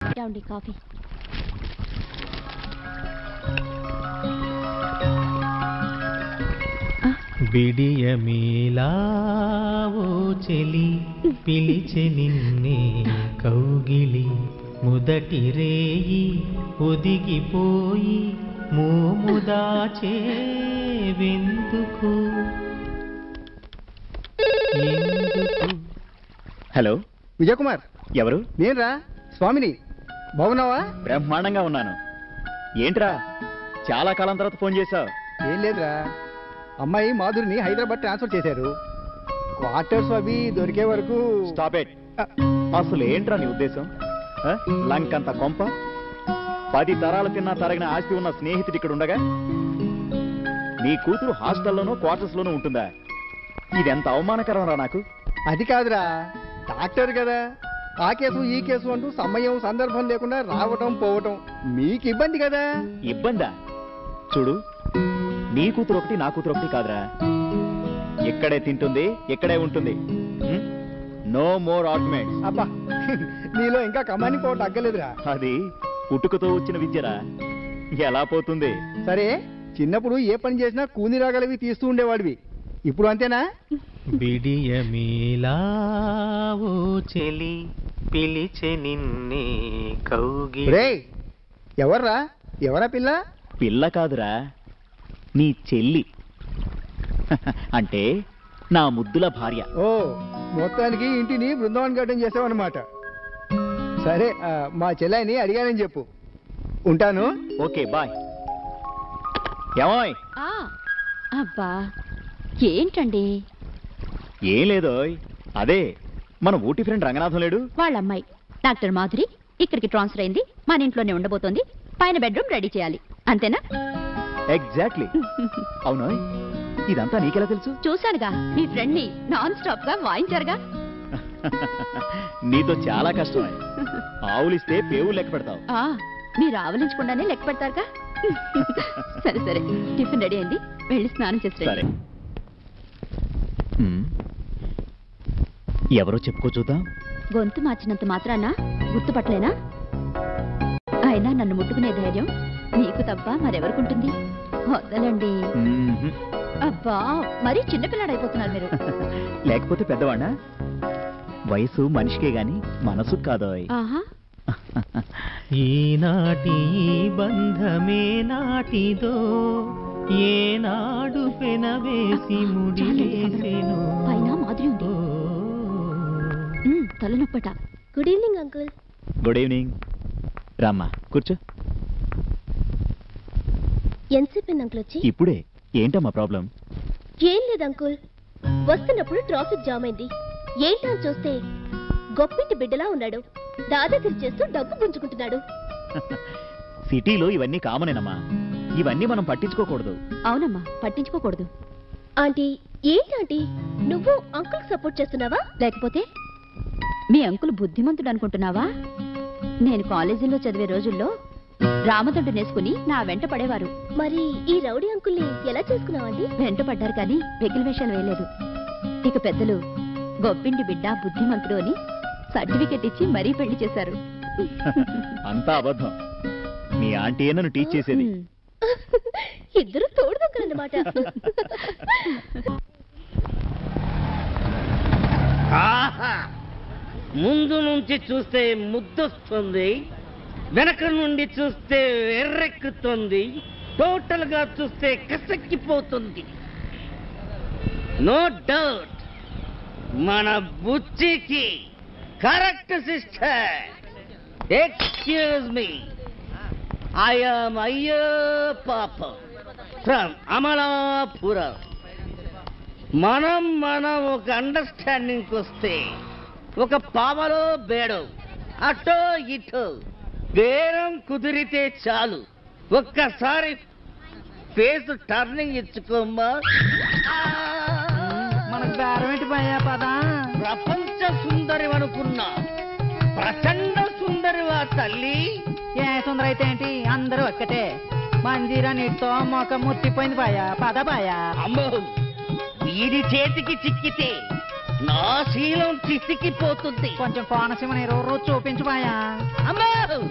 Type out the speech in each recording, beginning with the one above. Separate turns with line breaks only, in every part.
ఏమండి కాఫీ?
బిడియమేలావో చెలి పిలిచె నిన్నే కౌగిలి మొదటి రేయి ఒదిగిపోయి మోముదాచే వెందుకు.
హలో
విజయకుమార్,
ఎవరు?
నేనురా స్వామిని. బాగున్నావా?
బ్రహ్మాండంగా ఉన్నాను. ఏంట్రా చాలా కాలం తర్వాత ఫోన్ చేశావు?
ఏం లేదురా, అమ్మాయి మాధురిని హైదరాబాద్ ట్రాన్స్ఫర్ చేశారు. క్వార్టర్స్ అవి దొరికే వరకు.
Stop it. అసలు ఏంట్రా నీ ఉద్దేశం? లంకంత కొంప 10 తరాలు తిన్నా తరగిన ఆస్తి ఉన్న స్నేహితుడు ఇక్కడ ఉండగా నీ కూతురు హాస్టల్లోనూ క్వార్టర్స్ లోనూ ఉంటుందా? ఇదెంత అవమానకరం రా నాకు.
అది కాదురా, డాక్టర్ కదా, ఆ కేసు ఈ కేసు అంటూ సమయం సందర్భం లేకుండా రావటం పోవటం మీకు ఇబ్బంది కదా.
ఇబ్బందా? చూడు, నీ కూతురు ఒకటి నా కూతురు ఒకటి కాదురా. ఎక్కడే తింటుంది, ఎక్కడే ఉంటుంది. No more arguments.
అబ్బా, నీలో ఇంకా కమాని పోవటం అగ్గలేదురా.
అది పుట్టుకతో వచ్చిన విద్యరా, ఎలా పోతుంది?
సరే, చిన్నప్పుడు ఏ పని చేసినా కూని రాగలవి తీస్తూ ఉండేవాడివి, ఇప్పుడు అంతేనా?
బిడియమేలావో చెలి పిలిచె నిన్నే కౌగిలి.
రేయ్, ఎవర్రా? ఎవరా పిల్ల?
పిల్ల కాదురా, నీ చెల్లి. అంటే నా ముద్దుల భార్య.
ఓ, మొత్తానికి ఇంటిని బృందావన్ గార్డెన్ చేసావన్నమాట. సరే, మా చెల్లాయిని అడిగానని చెప్పు. ఉంటాను.
Okay, bye. ఏమోయ్?
అబ్బా ఏంటండి?
ఏం లేదో, అదే మన ఊటీ ఫ్రెండ్ రంగనాథం లేడు?
వాళ్ళ అమ్మాయి డాక్టర్ మాధురి ఇక్కడికి ట్రాన్స్ఫర్ అయింది, మన ఇంట్లోనే ఉండబోతోంది. పైన బెడ్రూమ్ రెడీ చేయాలి, అంతేనా?
ఎగ్జాక్ట్లీ. అవును, ఇదంతా నీకెలా తెలుసు?
చూశానుగా, మీ ఫ్రెండ్ ని నాన్ స్టాప్ గా వాయించారుగా.
నీతో చాలా కష్టమే. ఆవులిస్తే పేవు లెక్క పెడతావు.
మీరు ఆవలించకుండానే లెక్క పెడతారుగా. సరే సరే, టిఫిన్ రెడీ అయింది, వెళ్ళి స్నానం చేసి
సరే. ఎవరో చెప్పుకో చూద్దాం.
గొంతు మార్చినంత మాత్రాన గుర్తుపట్టలేనా? అయినా నన్ను ముట్టుకునే ధైర్యం నీకు తప్ప మరెవరుకుంటుంది? వదలండి. అబ్బా, మరీ చిన్నపిల్లాడైపోతున్నారు మీరు.
లేకపోతే పెద్దవాణ్ణా? వయసు మనిషికే గాని మనసు కాదోయ్.
ఈనాటి బంధమే నాటిదో, ఏనాడు పెనవేసి ముడివేసెను.
పైన మాధురి ఉంది, తలనొప్పట.
Good evening uncle.
Good evening. రామ్మా, కూర్చో.
ఎంతసేపు అంకుల్ వచ్చి?
ఇప్పుడే. ఏంటమ్మా ప్రాబ్లం?
ఏం లేదు అంకుల్, వస్తున్నప్పుడు ట్రాఫిక్ జామ్ అయింది. ఏంటో చూస్తే గొప్పింటి బిడ్డలా ఉన్నాడు. దాదాగిరి చేస్తూ డబ్బు గుంజుకుంటున్నాడు.
సిటీలో ఇవన్నీ కామనేనమ్మా, ఇవన్నీ మనం పట్టించుకోకూడదు.
అవునమ్మా, పట్టించుకోకూడదు.
ఆంటీ, ఏంటి నువ్వు అంకుల్ సపోర్ట్ చేస్తున్నావా?
లేకపోతే మీ అంకుల్ బుద్ధిమంతుడు అనుకుంటున్నావా? నేను కాలేజీలో చదివే రోజుల్లో రామదండు నేసుకుని నా వెంట పడేవారు.
మరి ఈ రౌడీ అంకుల్ని ఎలా చేసుకున్నావండి?
వెంట పడ్డారు కానీ వెకిలి వేషాలు వేయలేదు. ఇక పెద్దలు గొప్పింటి బిడ్డ బుద్ధిమంతుడు అని సర్టిఫికెట్ ఇచ్చి మరీ పెళ్లి చేశారు.
అంతా అబద్ధం. మీ ఆంటీ నన్ను టీచ్ చేసేది.
ఇద్దరు తోడుదొక్కలన్నమాట.
ముందు నుంచి చూస్తే ముద్దొస్తుంది, వెనక నుండి చూస్తే ఎర్రెక్కుతుంది, టోటల్ గా చూస్తే కసక్కిపోతుంది. నో డౌట్ మన బుచ్చికి correct sister. Excuse me, I'm అయ్యో పాప ఫ్రమ్ అమలాపురం. మనం ఒక అండర్స్టాండింగ్ వస్తే ఒక పావలో బేడో అటో ఇటో బేరం కుదిరితే చాలు. ఒక్కసారి ఫేస్ టర్నింగ్ ఇచ్చుకోమ్మా.
మనకు బేరం ఏంటి భయ్యా? పదా
ప్రపంచ సుందరి అనుకున్నా ప్రచండ సుందరివా తల్లి.
ఏ సుందర అయితే ఏంటి, అందరూ ఒక్కటే. మంజీరా నీటితో మొఖం ముట్టిపోయింది భయ్యా. పద భయ్యా.
అమ్మో, వీడి చేతికి చిక్కితే నా శీలం చిసికిపోతుంది.
కొంచెం కోనసీమ నీరు చూపించు భయ్యా.
అమ్మో,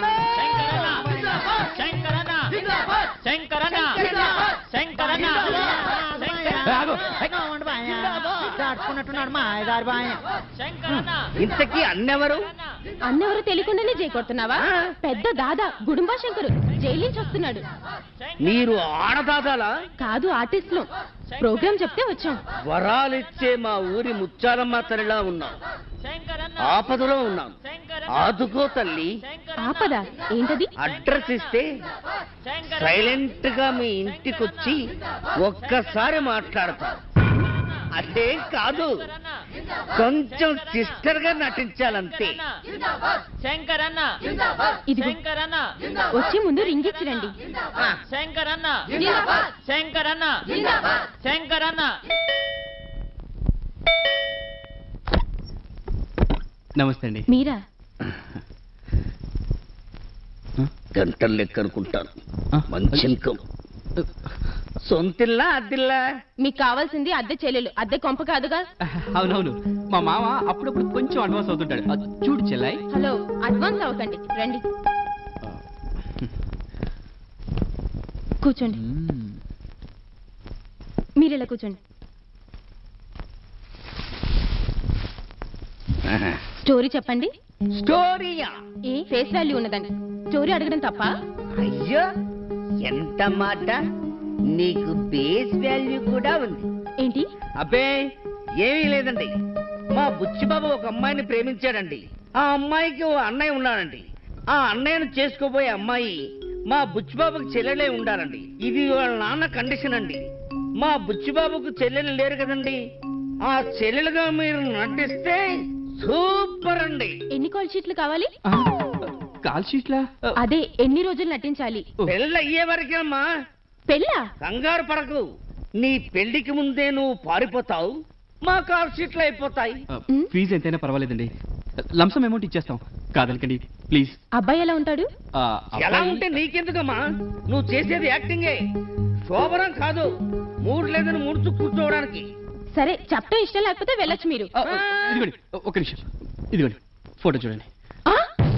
నవ్వండి బాయ దాచుకున్నట్టున్నాడు మా ఆయదారి బాయ
ఇంతకీ అన్నెవరు?
అన్నెవరో తెలియకుండానే జై కొడుతున్నావా? పెద్ద దాదా గుడుంబా శంకరు జైలు నుంచి వస్తున్నాడు.
మీరు ఆడదాదాలా?
కాదు, ఆర్టిస్టులు. ప్రోగ్రామ్ చెప్తే వచ్చాం.
వరాలిచ్చే మా ఊరి ముచ్చాలమ్మ తల్లిలా ఉన్నాం. ఆపదలో ఉన్నాం, ఆదుకో తల్లి.
ఆపద ఏంటది?
అడ్రస్ ఇస్తే సైలెంట్ గా మీ ఇంటికొచ్చి ఒక్కసారి మాట్లాడతాం. అదేం కాదు, కొంచెం సిస్టర్ గా నటించాలంతే.
ఇదిగో వచ్చి ముందు రింగ్ ఇచ్చిరండి.
నమస్తే అండి.
మీరా?
గంటలు లెక్క అనుకుంటాను. మంచి ఇన్కమ్. సొంతిల్లా అద్దిల్లా?
మీకు కావాల్సింది అద్దె చెల్లెలు, అద్దె కొంప కాదుగా.
అవునవును, మా మామ అప్పుడప్పుడు కొంచెం అడ్వాన్స్ అవుతుంటాడు. చూడు చెల్లాయి.
హలో, అడ్వాన్స్ అవ్వకండి, రండి కూర్చోండి. మీరు ఇలా కూర్చోండి. స్టోరీ చెప్పండి.
స్టోరీయా?
ఏ ఫేస్ వాల్యూ ఉన్నదండి. స్టోరీ అడగడం తప్ప?
అయ్యో, ఎంత మాట! నీకు బేస్ వాల్యూ కూడా ఉంది.
ఏంటి?
అబ్బే ఏమీ లేదండి. మా బుచ్చిబాబు ఒక అమ్మాయిని ప్రేమించాడండి. ఆ అమ్మాయికి ఓ అన్నయ్య ఉన్నాడండి. ఆ అన్నయ్యను చేసుకోబోయే అమ్మాయి మా బుచ్చిబాబుకి చెల్లెలే ఉండాలండి. ఇది వాళ్ళ నాన్న కండిషన్ అండి. మా బుచ్చిబాబుకు చెల్లెలు లేరు కదండి. ఆ చెల్లెలుగా మీరు నటిస్తే సూపర్ అండి.
ఎన్ని కాల్ షీట్లు కావాలి?
కాల్ షీట్లా?
అదే, ఎన్ని రోజులు నటించాలి?
పెళ్ళి అయ్యే వరకేమ్మా.
పెళ్ళా?
కంగారు పడకు. నీ పెళ్లికి ముందే నువ్వు పారిపోతావు, మా కాల్ షీట్లు అయిపోతాయి.
ఫీజు ఎంతైనా పర్వాలేదండి, లంసం అమౌంట్ ఇచ్చేస్తాం. కాదనకండి ప్లీజ్.
అబ్బాయి ఎలా ఉంటాడు?
ఎలా ఉంటే నీకెందుకమ్మా? నువ్వు చేసేది యాక్టింగే, శోభనం కాదు. మూడు లేదని ముడుచు కూర్చోవడానికి.
సరే, చెప్పడం ఇష్టం లేకపోతే వెళ్ళొచ్చు మీరు.
ఇదిగోండి ఒక నిమిషం, ఇదిగోండి ఫోటో చూడండి.
ఆ?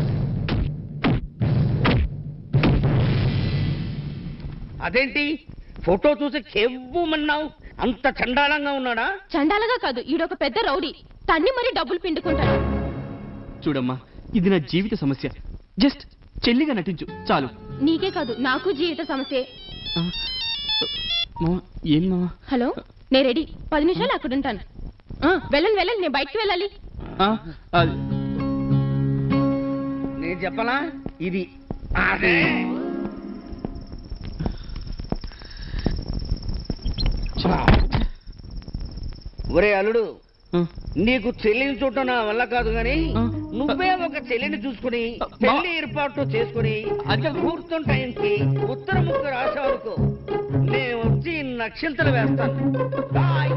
అదేంటి ఫోటో చూసి కెవ్వుమన్నావు? అంత చండాలంగా ఉన్నాడా?
చండాలగా కాదు, ఈడొక పెద్ద రౌడీ. తన్ని మరి డబ్బులు పిండుకుంటాడు.
చూడమ్మా, ఇది నా జీవిత సమస్య. జస్ట్ చెల్లిగా నటించు చాలు.
నీకే కాదు, నాకు జీవిత సమస్యే.
మావా, ఏం మావా?
హలో, నేను రెడీ. 10 నిమిషాలు అక్కడ ఉంటాను. వెళ్ళండి వెళ్ళండి, నేను బయటకు వెళ్ళాలి.
నేను చెప్పలా? ఇది అదే. ఒరే అల్లుడు, నీకు చెల్లిని చూడటం నా వల్ల కాదు గాని నువ్వే ఒక చెల్లిని చూసుకుని పెళ్లి ఏర్పాటు చేసుకుని ముహూర్తం టైంకి ఉత్తర ముక్క రాసేవరకు నేను వచ్చి నక్షత్రం వేస్తాను. బాయ్.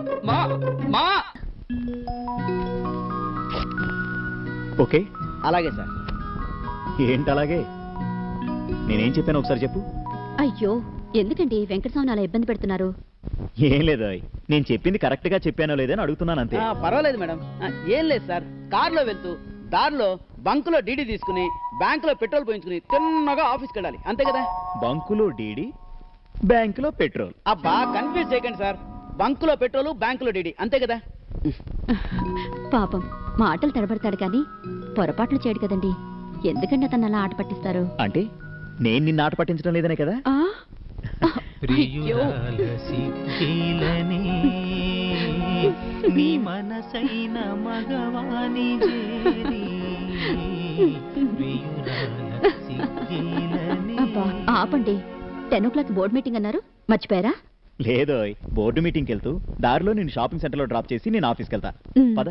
ఓకే,
అలాగే సార్.
ఏంటి అలాగే? నేనేం చెప్పాను ఒకసారి చెప్పు.
అయ్యో, ఎందుకండి వెంకటస్వామి అలా ఇబ్బంది పెడుతున్నారు?
ఏం లేదు, నేను చెప్పింది కరెక్ట్ గా చెప్పానో లేదని అడుగుతున్నాను అంతే.
పర్వాలేదు మేడం. ఏం లేదు సార్, కారులో వెళ్తూ దారిలో బంకులో డీడీ తీసుకుని బ్యాంకులో పెట్రోల్ పోయించుకుని తిన్నగా ఆఫీస్కి వెళ్ళాలి, అంతే కదా?
బంకులో డీడీ, బ్యాంకులో పెట్రోల్.
అబ్బా, కన్ఫ్యూజ్ చేయకండి సార్. బంకులో పెట్రోల్, బ్యాంకులో డీడీ, అంతే కదా?
పాపం మాటలు తడబడతాడు కానీ పొరపాట్లు చేయడు కదండి. ఎందుకండి అతను అలా ఆట పట్టిస్తారు?
అంటే నేను నిన్ను ఆట పట్టించడం లేదనే కదా?
ప్రియురాల సిగ్గీలనే నీ మనసైన మగవాని చేరి ప్రియురాల సిగ్గీలనే.
అబ్బా, ఆపండి. 10 o'clock బోర్డు మీటింగ్ అన్నారు, మర్చిపోయారా?
లేదో, బోర్డు మీటింగ్కి వెళ్తూ దారిలో నేను షాపింగ్ సెంటర్ లో డ్రాప్ చేసి నేను ఆఫీస్కి వెళ్తా. పద.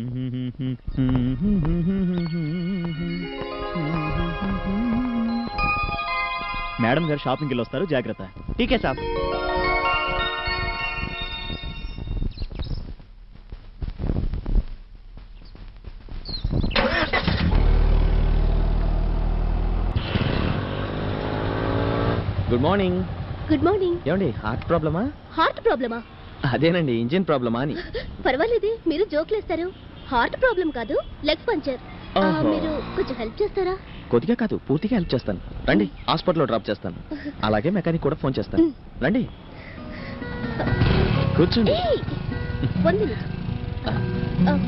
మేడం గారు షాపింగ్కి వెళ్ళి వస్తారు, జాగ్రత్త.
ఠీకే సాబ్.
Good morning.
Good morning.
ఏమండి, హార్ట్ ప్రాబ్లమా?
హార్ట్ ప్రాబ్లమా?
అదేనండి, ఇంజిన్ ప్రాబ్లమా అని.
పర్వాలేదే, మీరు జోక్లేస్తారు. హార్ట్ ప్రాబ్లం కాదు, లెగ్ పంచర్.
ఓహో.
మీరు కొంచెం హెల్ప్ చేస్తారా?
కొద్దిగా కాదు, పూర్తిగా హెల్ప్ చేస్తాను. రండి, హాస్పిటల్లో డ్రాప్ చేస్తాను. అలాగే మెకానిక్ కూడా ఫోన్ చేస్తాను. రండి. కూర్చోండి.
ఏయ్, 1 minute. ఓకే.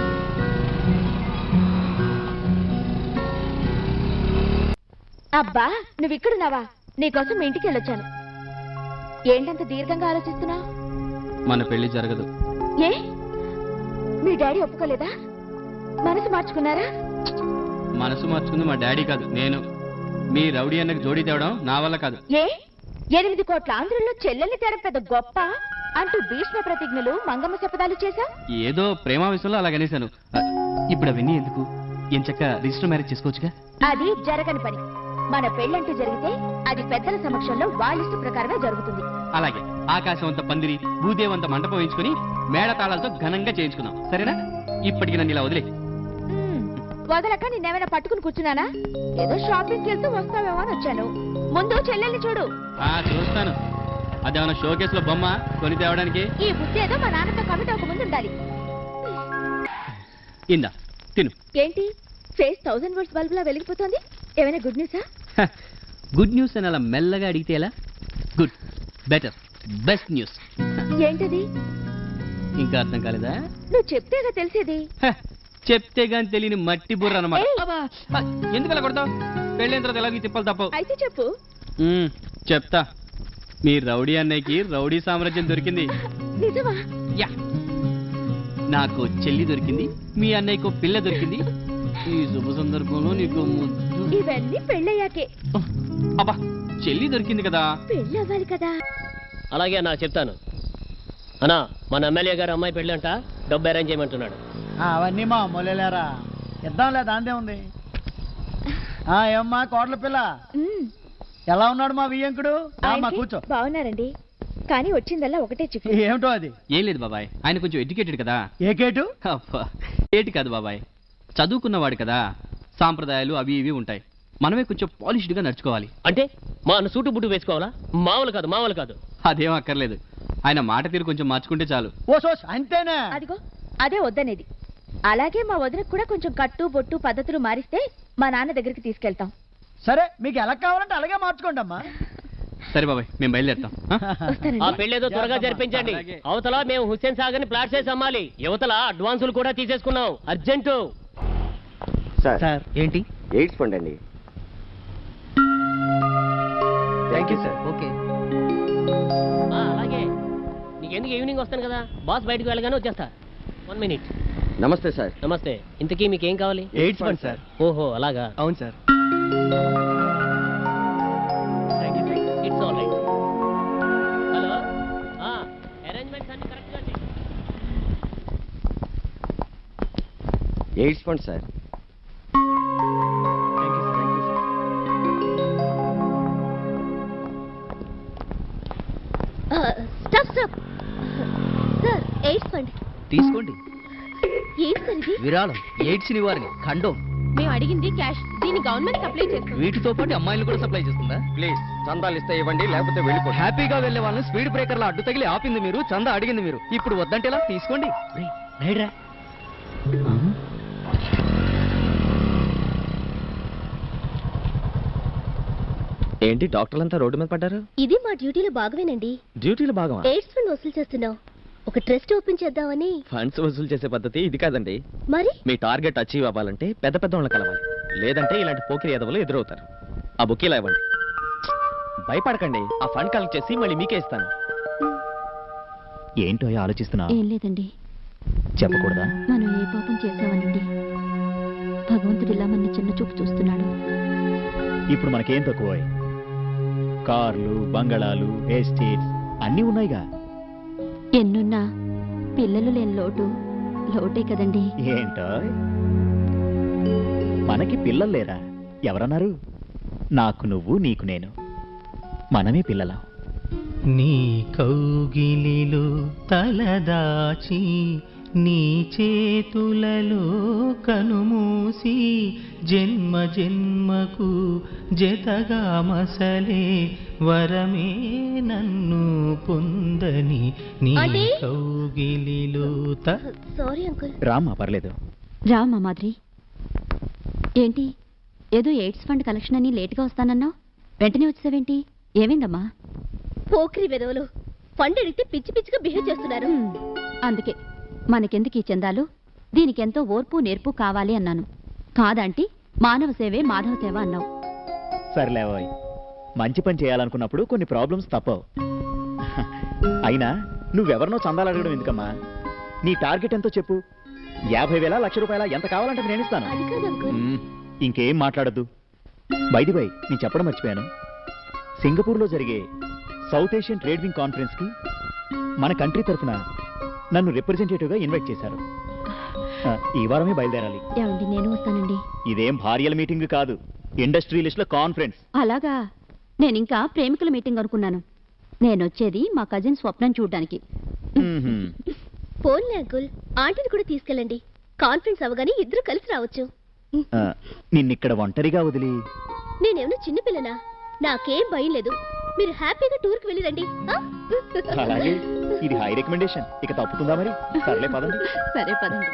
అబ్బా నువ్వు ఇక్కడున్నావా? నీకోసం మీ ఇంటికి వెళ్ళొచ్చాను. ఏంటంత దీర్ఘంగా ఆలోచిస్తున్నావు?
మన పెళ్లి జరగదు.
ఏ మీ డాడీ ఒప్పుకోలేదా? మనసు మార్చుకున్నారా?
మనసు మార్చుకుంది మా డాడీ కాదు, నేను. మీ రౌడీ అన్నకు జోడీ తేవడం నా వల్ల కాదు.
ఏ 8 కోట్ల ఆంధ్రుల్లో చెల్లెల్ని తేడం పెద్ద గొప్ప అంటూ భీష్మ ప్రతిజ్ఞలు మంగమ్మ శపథాలు చేశా.
ఏదో ప్రేమ విషయంలో అలాగనేశాను. ఇప్పుడు అవన్నీ ఎందుకు? ఎంచక్క రిజిస్టర్ మ్యారేజ్ చేసుకోవచ్చుగా.
అది జరగని పని. మన పెళ్ళంటూ జరిగితే అది పెద్దల సమక్షంలో వాళ్ళ ఇష్ట ప్రకారమే జరుగుతుంది.
అలాగే ఆకాశం అంత పందిరి, భూదేవంత మంటపం వేయించుకుని మేళతాళాలతో ఘనంగా చేయించుకుందాం, సరేనా? ఇప్పటికి నన్ను ఇలా వదిలే.
వదలక నిన్నేమైనా పట్టుకుని కూర్చున్నానా? ఏదో షాపింగ్కి వెళ్తూ వస్తావేమో అని వచ్చాను. ముందు చెల్లెల్ని చూడు.
చూస్తాను. అదేమన్నా షోకేస్ లో బొమ్మ కొని తేవడానికి?
ఈ బుద్ధి ఏదో మా నాన్నతో కమిటీ ఒక ముందు ఉండాలి.
ఇందా తిను.
ఏంటి ఫేస్ 1000 volts బల్బ్ లా వెలిగిపోతుంది? ఏమైనా గుడ్ న్యూసా?
గుడ్ న్యూస్ అని అలా మెల్లగా అడిగితే ఎలా? Good, better, best news.
ఏంటది?
ఇంకా అర్థం కాలేదా?
నువ్వు చెప్తేగా తెలిసేది.
చెప్తే గాని తెలియని మట్టి బుర్ర అన్నమాట.
ఏయ్!
ఎందుకు అలా కొడతావు? పెళ్ళైన తర్వాత ఎలాగీ తిప్పలు తప్పవు.
అయితే చెప్పు.
చెప్తా. మీ రౌడీ అన్నయ్యకి రౌడీ సామ్రాజ్యం దొరికింది.
నిజమా?
యా, నాకు చెల్లి దొరికింది, మీ అన్నయ్యకు పిల్ల దొరికింది. ఈ శుభ సందర్భంలో నీకు ముద్దు.
ఇవన్నీ పెళ్ళయ్యాకే.
అబ్బా, చెల్లి దొరికింది కదా.
పెళ్ళి అవ్వాలి కదా.
అలాగే అన్నా, చెప్తాను అన్నా. మన ఎమ్మెల్యే గారు అమ్మాయి పెళ్ళి అంట, డబ్బు అరేంజ్ చేయమంటున్నాడు.
అవన్నీ మా అమ్మలేరా, ఇద్దాంలే, దాందే ఉంది. ఏమ్మా కోట్ల పిల్ల, ఎలా ఉన్నాడు మా వియ్యంకుడు? మా కూర్చో.
బాగున్నారండి, కానీ వచ్చిందల్లా ఒకటే చిక్కు.
ఏమిటో అది?
ఏం లేదు బాబాయ్, ఆయన కొంచెం ఎడ్యుకేటెడ్ కదా.
ఏ కేటు?
ఏటి కాదు బాబాయ్, చదువుకున్నవాడు కదా. సాంప్రదాయాలు అవి ఇవి ఉంటాయి. మనమే కొంచెం పాలిష్డ్ గా నడుచుకోవాలి.
అంటే మా అన్న సూటు బుట్టు వేసుకోవాలా? మామూలు కాదు, మామూలు కాదు.
అదేం అక్కర్లేదు, ఆయన మాట తీరు కొంచెం మార్చుకుంటే చాలు.
అంతేనా?
అదిగో అదే వద్దనేది. అలాగే మా వదినకు కూడా కొంచెం కట్టు బొట్టు పద్ధతులు మారిస్తే మా నాన్న దగ్గరికి తీసుకెళ్తాం.
సరే, మీకు ఎలా కావాలంటే అలాగే మార్చుకోండి అమ్మా.
సరే బాబాయ్, మేము బయలుదేరుతాం.
ఆ పెళ్ళేదో త్వరగా జరిపించండి. అవతల మేము హుస్సేన్ సాగర్ ని ప్లాట్ చేసి అమ్మాలి. యువతల అడ్వాన్సులు కూడా తీసేసుకున్నాం, అర్జెంటు.
సార్
ఏంటి?
ఎయిడ్స్ ఫండ్ అండి. Thank you sir.
ఓకే, అలాగే. నీకెందుకు ఈవినింగ్ వస్తాను కదా, బాస్ బయటకు వెళ్ళగానే వచ్చేస్తా. 1 minute.
నమస్తే సార్.
నమస్తే. ఇంతకీ మీకేం కావాలి?
Aids fund sir.
ఓహో అలాగా.
అవును సార్.
It's all right. Hello, arrangements అన్ని కరెక్ట్ గా చేయండి.
Aids fund sir.
Stop stop sir, aids fund
తీసుకోండి.
ఏంటి సార్ ఇది?
విరాళం, ఎయిడ్స్ నివారణ, ఖండం.
మేము అడిగింది క్యాష్, దీన్ని గవర్నమెంట్ సప్లై చేస్తుంది.
వీటితో పాటు అమ్మాయిలు కూడా సప్లై చేస్తుందా?
ప్లీజ్ చందాలు ఇస్తే ఇవ్వండి, లేకపోతే వెళ్ళిపోండి.
హ్యాపీగా వెళ్లే వాళ్ళని స్పీడ్ బ్రేకర్లో అడ్డు తగిలి ఆపింది మీరు, చందా అడిగింది మీరు. ఇప్పుడు వద్దంటే ఎలా? తీసుకోండి.
ఏంటి డాక్టర్లంతా రోడ్డు మీద పడ్డారు?
ఇది మా డ్యూటీలో భాగమేనండి.
డ్యూటీలో భాగమా?
ఎయిడ్స్ ఫండ్ వసూలు చేస్తున్నాం. ఒక ట్రస్ట్ ఓపెన్ చేద్దామని.
ఫండ్స్ వసూలు చేసే పద్ధతి ఇది కాదండి.
మరి
మీ టార్గెట్ అచీవ్ అవ్వాలంటే పెద్ద పెద్ద వాళ్ళని కలవాలి, లేదంటే ఇలాంటి పోకిరి ఎదవలు ఎదురవుతారు. ఆ బుక్ ఇలా ఇవ్వండి. భయపడకండి, ఆ ఫండ్ కలెక్ట్ చేసి మళ్ళీ మీకే ఇస్తాను.
ఏంటో ఆలోచిస్తున్నా?
ఏం లేదండి.
చెప్పకూడదా?
మనం ఏ పాపం చేసామనండి, భగవంతుడిలా మన చిన్న చూపు చూస్తున్నాడు.
ఇప్పుడు మనకేం తక్కువ? కార్లు, బంగళాలు, ఎస్టేట్స్ అన్నీ ఉన్నాయిగా.
ఎన్నున్నా పిల్లలు లేని లోటు లోటే కదండి.
ఏంటో మనకి పిల్లలు లేరా? ఎవరన్నారు? నాకు నువ్వు, నీకు నేను, మనమే పిల్లలం.
నీ కౌగిలిలో తలదాచి, నీ చేతులలో కనుమూసి, జన్మ జన్మకు జతగా మసలే వరమే నన్ను పొందని, నీ కౌగిలిలో.
Sorry uncle.
రామ్మా, పర్లేదు.
రామ్మా మాధురి. ఏంటి ఏదో ఎయిడ్స్ ఫండ్ కలెక్షన్ అని లేట్గా వస్తానన్నావు, వెంటనే వచ్చావేంటి? ఏమైందమ్మా?
పోక్రి వెదవులు ఫండ్ అడిగితే పిచ్చి పిచ్చిగా బిహేవ్ చేస్తున్నారు.
అందుకే మనకెందుకు ఈ చందాలు, దీనికెంతో ఓర్పు నేర్పు కావాలి అన్నాను. కాదంటే మానవ సేవే మాధవ సేవ అన్నావు.
సర్లేవాయ్, మంచి పని చేయాలనుకున్నప్పుడు కొన్ని ప్రాబ్లమ్స్ తప్పవు. అయినా నువ్వెవరినో చందాలు అడగడం ఎందుకమ్మా? నీ టార్గెట్ ఎంతో చెప్పు. 50,000 లక్ష రూపాయల ఎంత కావాలంటే నేను ఇస్తాను.
అది కాదు అంకుల్.
ఇంకేం మాట్లాడద్దు. బైది బై, నేను చెప్పడం మర్చిపోయాను. సింగపూర్లో జరిగే South Asian trade wing conference కి మన కంట్రీ తరఫున నన్ను రిప్రజెంటేటివ్ గా ఇన్వైట్ చేశారు. ఈ వారమే బయలుదేరాలి.
ఏమండి, నేను వస్తానండి.
ఇదేం భార్యల మీటింగ్ కాదు, ఇండస్ట్రియలిస్ట్ల కాన్ఫరెన్స్.
అలాగా? నేనింకా ప్రేమికుల మీటింగ్ అనుకున్నాను. నేనొచ్చేది మా కజిన్ స్వప్నం చూడ్డానికి.
పోన్లే అంకుల్, ఆంటీని కూడా తీసుకెళ్ళండి. కాన్ఫరెన్స్ అవగానే ఇద్దరు కలిసి రావచ్చు.
నిన్నిక్కడ ఒంటరిగా వదిలి
నేనేమన్నా చిన్నపిల్లనా? నాకేం భయం లేదు. మీరు హ్యాపీగా టూర్ కి వెళ్ళిరండి.
అలాగే, ఇది హై రికమెండేషన్. ఇక తప్పుతుందా మరి? సర్లే పదండి.
సరే పదండి.